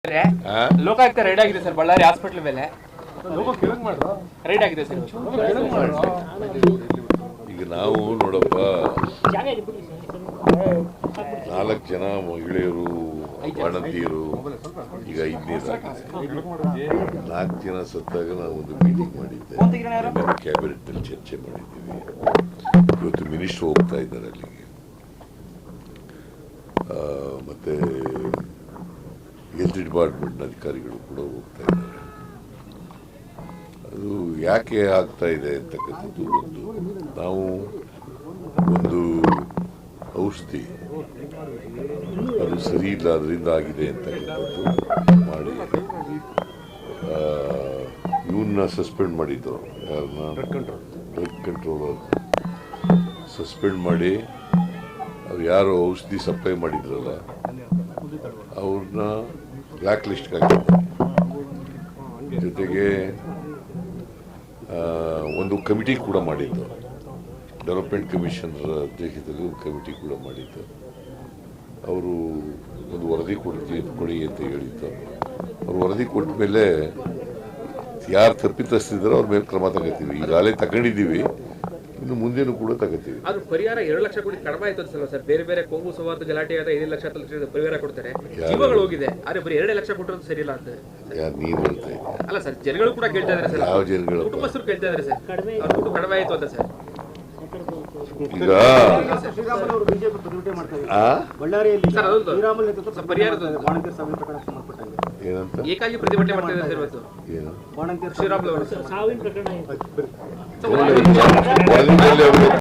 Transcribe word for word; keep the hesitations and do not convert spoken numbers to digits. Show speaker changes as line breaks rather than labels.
Lokayukta raid ಆಗಿದೆ sir Ballari hospital ಮೇಲೆ raid ಆಗಿದೆ ಸರ್.
ಈಗ ನಾವು ನೋಡಪ್ಪ ನಾಲ್ಕು ಜನ ಮಹಿಳೆಯರು ಬಾಣಂತಿಯರು ಈಗ ಐದನೇದಾಗಿದೆ. ನಾಲ್ಕು ಜನ ಸತ್ತಾಗ ನಾವು ಒಂದು ಮೀಟಿಂಗ್ ಮಾಡಿದ್ದೆ, ಕ್ಯಾಬಿನೆಟ್ನಲ್ಲಿ ಚರ್ಚೆ ಮಾಡಿದ್ದೀವಿ. ಇವತ್ತು ಮಿನಿಸ್ಟರ್ ಹೋಗ್ತಾ ಇದ್ದಾರೆ ಅಲ್ಲಿಗೆ, ಮತ್ತೆ ಹೆಲ್ತ್ ಡಿಪಾರ್ಟ್ಮೆಂಟ್ನ ಅಧಿಕಾರಿಗಳು ಕೂಡ ಹೋಗ್ತಾ ಇದ್ದಾರೆ. ಅದು ಯಾಕೆ ಆಗ್ತಾ ಇದೆ ಅಂತಕ್ಕಂಥದ್ದು ಒಂದು ನಾವು ಒಂದು ಔಷಧಿ ಅದು ಸರಿ ಇಲ್ಲ ಅದರಿಂದ ಆಗಿದೆ ಅಂತಕ್ಕಂಥದ್ದು ಮಾಡಿ ಇವನ್ನ ಸಸ್ಪೆಂಡ್ ಮಾಡಿದ್ದು, ಯಾರನ್ನ ಡ್ರಗ್ ಕಂಟ್ರೋಲರ್ ಸಸ್ಪೆಂಡ್ ಮಾಡಿ ಅವ್ರು ಯಾರು ಔಷಧಿ ಸಪ್ಲೈ ಮಾಡಿದ್ರಲ್ಲ ಅವ್ರನ್ನ ಬ್ಲ್ಯಾಕ್ ಲಿಸ್ಟ್ಗೆ ಹಾಕಿದ್ದಾರೆ. ಜೊತೆಗೆ ಒಂದು ಕಮಿಟಿ ಕೂಡ ಮಾಡಿದ್ದು, ಡೆವಲಪ್ಮೆಂಟ್ ಕಮಿಷನರ್ ಅಧ್ಯಕ್ಷತೆಯಲ್ಲಿ ಒಂದು ಕಮಿಟಿ ಕೂಡ ಮಾಡಿದ್ದು. ಅವರು ಒಂದು ವರದಿ ಕೊಡ್ತೀವಿ ಕೊಡಿ ಅಂತ ಹೇಳಿದ್ದು. ಅವ್ರು ವರದಿ ಕೊಟ್ಟ ಮೇಲೆ ಯಾರು ತಪ್ಪಿತಸ್ಥರಿದ್ದಾರೋ ಅವ್ರ ಮೇಲೆ ಕ್ರಮ ತಗೋತೀವಿ. ಈಗಾಗಲೇ ತಗೊಂಡಿದ್ದೀವಿ, ಇನ್ನು ಮುಂದೇನು ಕೂಡ ತಗೋತೀವಿ.
ಅದು ಪರಿಹಾರ ಎರಡು ಲಕ್ಷ ಕೋಟಿ ಕಡಿಮೆ ಆಯ್ತು ಅನ್ಸಲ್ಲ ಸರ್? ಬೇರೆ ಬೇರೆ ಕೊಂಗು ಸವಾರ್ಥ ಗಲಾಟೆ ಆದ ಐದು ಲಕ್ಷ ಪರಿಹಾರ ಕೊಡ್ತಾರೆ, ಜೀವಗಳು ಹೋಗಿದೆ, ಆದ್ರೆ ಬರೀ ಎರಡು ಲಕ್ಷ ಕೊಟ್ಟರು ಸರಿ ಇಲ್ಲ ಅಂತ
ಯಾರು ನೀರು ಹೇಳ್ತಾ ಇದ್ದಾರೆ?
ಅಲ್ಲ ಸರ್, ಜನಗಳು ಕೂಡ ಕೇಳ್ತಾ ಇದಾರೆ ಸರ್.
ಯಾವ ಜನಗಳು?
ಕುಟುಂಬಸ್ಥರು ಕೇಳ್ತಾ ಇದಾರೆ ಸರ್, ಅವ್ರ ದುಡ್ಡು ಕಡಿಮೆ ಆಯ್ತು ಅಂತ ಸರ್.
ಈಗ
ಏಕಾಗಿ ಪ್ರತಿಭಟನೆ ಮಾಡ್ತಾ ಇದ್ದಾರೆ ಇವತ್ತು ಶ್ರೀರಾಮುಲು ಅವರು.